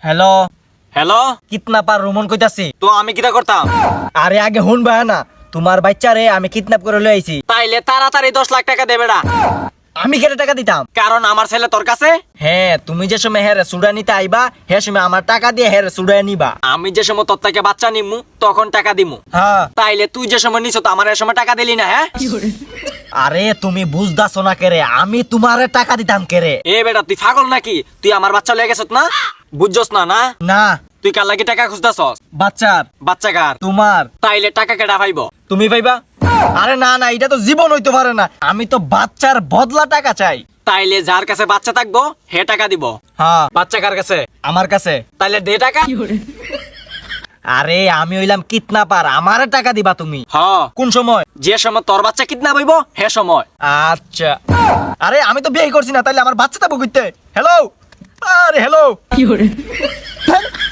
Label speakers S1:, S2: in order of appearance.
S1: Hello
S2: hello,
S1: kidnapper Roman কইতাছি।
S2: তো আমি কিটা করতাম?
S1: আরে আগে শুনবা না, তোমার বাচ্চারে আমি কিডন্যাপ করে লই আইছি।
S2: তাইলে তাড়াতাড়ি 10 লাখ টাকা দে বেড়া।
S1: আমি কেটে টাকা দিতাম?
S2: কারণ আমার ছেলে তোর কাছে।
S1: হ্যাঁ, তুমি যে সময় হ্যাঁ সুডা নিতে আইবা হে সময় আমার টাকা দিয়ে হ্যাঁ সুডা নিবা।
S2: আমি যে সময় তোর থেকে বাচ্চা নিমু তখন টাকা দিমু।
S1: হ্যাঁ।
S2: তাইলে তুই যে সময় নিছ তো আমার এ সময় টাকা দিলি না? হ্যাঁ,
S1: আরে তুমি বুঝদাছো না কেরে, আমি তোমারে টাকা দিতাম কেরে।
S2: এ বেটা তুই পাগল নাকি? তুই আমার বাচ্চা লয়ে গেছত না? বুঝছস না? না
S1: না,
S2: তুই কার লাগি টাকা খুঁজতাছস?
S1: বাচ্চার।
S2: বাচ্চা কার?
S1: তোমার।
S2: তাইলে টাকা কেডা পাইব?
S1: তুমি পাইবা? আরে না না, এটা তো জীবন হইতে পারে না, আমি তো বাচ্চার বদলা টাকা চাই।
S2: তাইলে যার কাছে বাচ্চা থাকবো হে টাকা দিব।
S1: হ্যাঁ,
S2: বাচ্চা কার কাছে?
S1: আমার কাছে।
S2: তাইলে দে টাকা।
S1: আরে আমি হইলাম কিডন্যাপার, আমারে টাকা দিবা তুমি।
S2: হ,
S1: কোন সময়?
S2: যে সময় তোর বাচ্চা কিডন্যাপ হইব হে সময়।
S1: আচ্ছা। আরে আমি তো বিয়ে করছি না, তাইলে আমার বাচ্চা থাকবো কইতে। হ্যালো, আরে হ্যালো।